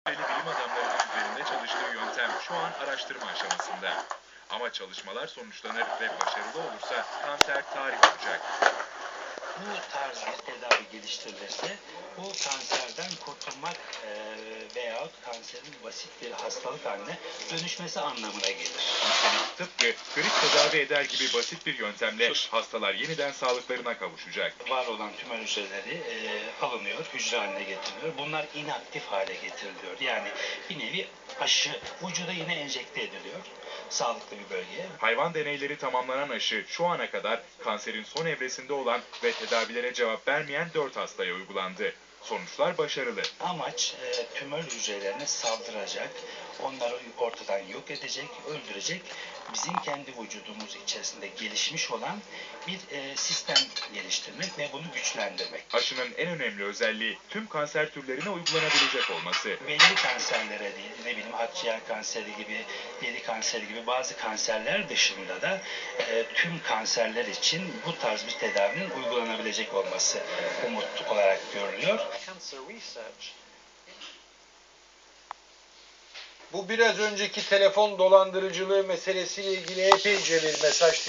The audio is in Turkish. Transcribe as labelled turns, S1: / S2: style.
S1: Bilim adamlarının üzerinde çalıştığı yöntem şu an araştırma aşamasında. Ama çalışmalar sonuçlanır ve başarılı olursa kanser tarih olacak.
S2: Bu tarz bir tedavi geliştirilirse bu kanserden kurtulmak veyahut kanserin basit bir hastalık haline dönüşmesi anlamına gelir.
S1: Tıpkı grip tedavi eder gibi basit bir yöntemle hastalar yeniden sağlıklarına kavuşacak.
S2: Var olan tümör hücreleri alınıyor, hücre haline getiriliyor. Bunlar inaktif hale getiriliyor. Yani bir nevi aşı vücuda yine enjekte ediliyor. Sağlıklı bir bölgeye.
S1: Hayvan deneyleri tamamlanan aşı şu ana kadar kanserin son evresinde olan ve tedavilere cevap vermeyen 4 hastaya uygulandı. Sonuçlar başarılı.
S2: Amaç tümör hücrelerine saldıracak, onları ortadan yok edecek, öldürecek, bizim kendi vücudumuz içerisinde gelişmiş olan bir sistem geliştirmek ve bunu güçlendirmek.
S1: Aşının en önemli özelliği tüm kanser türlerine uygulanabilecek olması.
S2: Belli kanserlere değil, ne bileyim akciğer kanseri gibi, deri kanseri gibi bazı kanserler dışında da tüm kanserler için bu tarz bir tedavinin uygulanabilecek olması umut olarak görülüyor.
S3: Bu biraz önceki telefon dolandırıcılığı meselesiyle ilgili epeyce bir mesaj